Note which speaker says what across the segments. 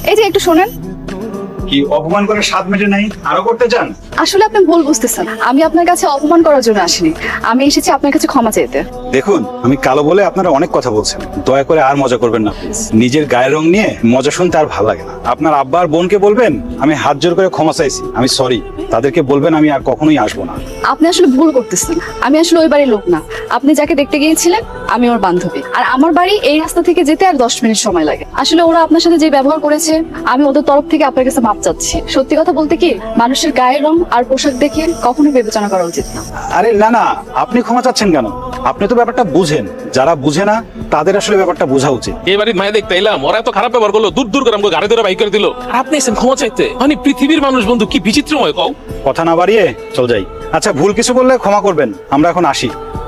Speaker 1: এই যে একটু শোনেন।
Speaker 2: কি অপমান করে স্বাদ মেটে নাই, আরো করতে চান?
Speaker 1: আসলে আপনি ভুল বুঝতেছেন, আমি আপনার কাছে অপমান করার জন্য আসিনি, আমি এসেছি আপনার কাছে ক্ষমা চাইতে।
Speaker 2: দেখুন, আমি কালো বলে আপনারা অনেক কথা বলছেন, দয়া করে আর মজা করবেন না প্লিজ। নিজের গায়ের রং নিয়ে মজা শুনতে আর ভালো লাগে না। আপনার আব্বা আর বোনকে বলবেন আমি হাত জোর করে ক্ষমা চাইছি, আমি সরি। তাদেরকে বলবেন আমি আর কখনোই আসবো না।
Speaker 1: আপনি আসলে ভুল করতেছেন, আমি আসলে ওই বাড়ির লোক না। আপনি যাকে দেখতে গিয়েছিলেন আমি ওর বান্ধবী, আর আমার বাড়ি এই রাস্তা থেকে যেতে আর 10 মিনিট সময় লাগে। আসলে ওরা আপনার সাথে যে ব্যবহার করেছে, আমি ওদের তরফ থেকে আপনার কাছে মাপ চাচ্ছি। সত্যি কথা বলতে কি, মানুষের গায়ের রং আর পোশাক দেখে কখনোই বিবেচনা করা উচিত না।
Speaker 2: আরে না না, আপনি ক্ষমা চাচ্ছেন কেন? আপনি তো ব্যাপারটা বুঝেন, যারা বুঝে না তাদের আসলে ব্যাপারটা বোঝা উচিত।
Speaker 3: এবারে মায়ে দেখতে এলাম, ওরা এত খারাপ ব্যবহার করলো, দূর দূর করে আমাকে গাড়ি ধরে বাইক করে দিল, আর আপনি এসেছেন ক্ষমা চাইতে। মানে পৃথিবীর মানুষ বন্ধু কি বিচিত্রময় কও।
Speaker 2: কথা না বাড়িয়ে চল যাই। আচ্ছা, ভুল কিছু করলে ক্ষমা করবেন, আমরা এখন আসি।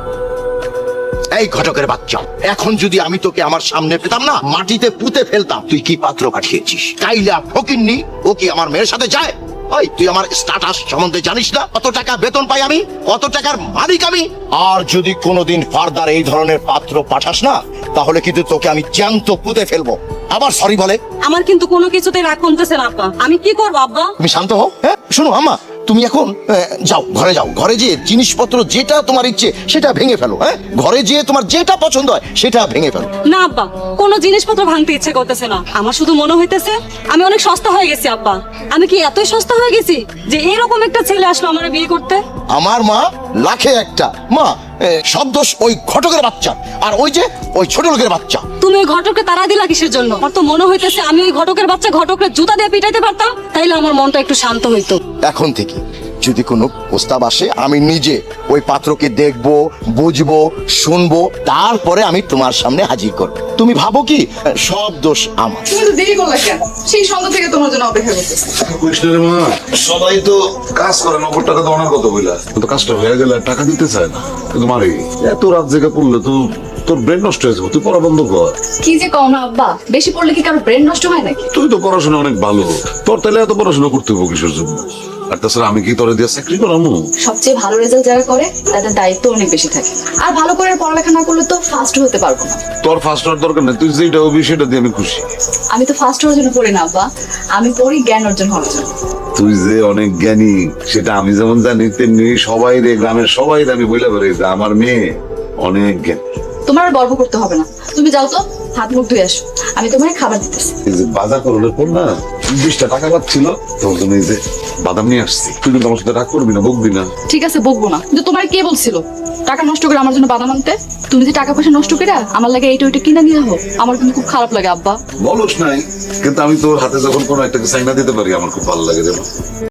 Speaker 4: এই ঘটকের বাচ্চা, এখন যদি আমি তোকে আমার সামনে পেতাম না, মাটিতে পুঁতে ফেলতাম। তুই কি পাত্র পাঠিয়েছিস? কাইলা ফকিন্নি, ও কি আমার মেয়ের সাথে যায়? ওই তুই আমার স্ট্যাটাস সম্বন্ধে জানিস না? কত টাকা বেতন পাই আমি, কত টাকার মালিক আমি। আর যদি কোনোদিন ফার্দার এই ধরনের পাত্র পাঠাস না, তাহলে কিন্তু তোকে আমি জ্যান্ত পুঁতে ফেলবো। আবার সরি বলে।
Speaker 5: আমার কিন্তু কোনো কিছুতে রাগ কমতেছে না আব্বা, আমি কি করবো আব্বা?
Speaker 4: তুমি শান্ত হও। হ্যাঁ শোনো আম্মা, তুমি এখন যাও, ঘরে যাও। ঘরে যেয়ে জিনিসপত্র যেটা তোমার ইচ্ছে সেটা ভেঙে ফেলো। হ্যাঁ, ঘরে যেয়ে তোমার যেটা পছন্দ হয় সেটা ভেঙে ফেলো।
Speaker 5: না আব্বা, কোনো জিনিসপত্র ভাঙতে ইচ্ছে করতেছে না। আমার শুধু মনে হইতেছে আমি অনেক সস্তা হয়ে গেছি আব্বা। আমি কি এতই সস্তা হয়ে গেছি যে এরকম একটা ছেলে আসলো আমার বিয়ে করতে?
Speaker 4: আমার মা লাখে একটা মা। সব দোষ ওই ঘটকের বাচ্চা, আর ওই যে ওই ছোট লোকের বাচ্চা।
Speaker 5: তুমি ওই ঘটককে তাড়া দিলা কিসের জন্য? আমার তো মনে হইতেছে আমি ওই ঘটকের বাচ্চা ঘটকের জুতা দিয়ে পিটাইতে পারতাম, তাইলে আমার মনটা একটু শান্ত হইতো।
Speaker 4: এখন থেকে যদি কোনো প্রস্তাব আসে, আমি নিজে ওই পাত্রকে দেখবো, বুঝবো, শুনবো, তারপরে আমি তোমার সামনে হাজির করবো। তুমি ভাবো কি সব দোষ আমার?
Speaker 1: তুমি তো দেরি করলে কেন? সেই সন্ধ্যা থেকে তোমার জন্য অপেক্ষা করতেছি।
Speaker 6: কৃষ্ণের মা, সবাই তো কাজ করে, নগদ টাকা তো অনেক কথা বইলা, কিন্তু কাজটা হয়ে গেলে টাকা দিতে চায় না। কিন্তু মারি এত রাত জেগে পড়লে তো তোর ব্রেন নষ্ট হয়ে যাবে। তুই পড়া বন্ধ কর।
Speaker 1: কি যে কও না আব্বা, বেশি পড়লে কি কারো ব্রেন নষ্ট হয় নাকি?
Speaker 6: তুই তো পড়াশোনা অনেক ভালো, তোর তাহলে এত পড়াশোনা করতে হবে কিসের জন্য? আর তাছাড়া আমি কি তোরে দিয়ে চাকরি করামু?
Speaker 1: সবচেয়ে ভালো রেজাল্ট যারা করে তাদের দায়িত্ব অনেক বেশি থাকে, আর ভালো করে পড়ালেখা না করলে তো ফার্স্ট হতে পারবো না।
Speaker 6: তোর ফার্স্ট হওয়ার দরকার নেই, তুই যেটা হবি সেটা দিয়ে আমি খুশি।
Speaker 1: আমি তো ফার্স্ট হওয়ার জন্য পড়ি না আব্বা, আমি পড়ি জ্ঞান অর্জন হওয়ার জন্য।
Speaker 6: তুই যে অনেক জ্ঞানী সেটা আমি যেমন জানি, তেমনি সবাই রে, গ্রামের সবাই আমি বলে পারি যে আমার মেয়ে অনেক জ্ঞানী।
Speaker 1: তোমার আর গর্ব করতে হবে না, তুমি যাও তো হাত মুখ ধুয়ে আসো, আমি তোমার খাবার দিতেছি।
Speaker 6: এই যে বাজার করলে পর না 20টা টাকা পাচ্ছিল, তোর জন্য এই যে বাদাম নিয়ে আসছি। তুই কিন্তু আমার সাথে রাগ করবি না, বকবি না।
Speaker 1: ঠিক আছে, বকবো না, কিন্তু তোমার কে বলছিল টাকা নষ্ট করে আমার জন্য বাদাম আনতে? তুমি যে টাকা পয়সা নষ্ট করে আমার লাগে এইটা ওইটা কিনে নিয়ে হোক, আমার কিন্তু খুব খারাপ লাগে আব্বা।
Speaker 6: বলস নাই, কিন্তু আমি তোর হাতে যখন কোনো একটা চাইনা দিতে পারি আমার খুব ভালো লাগে। যেমন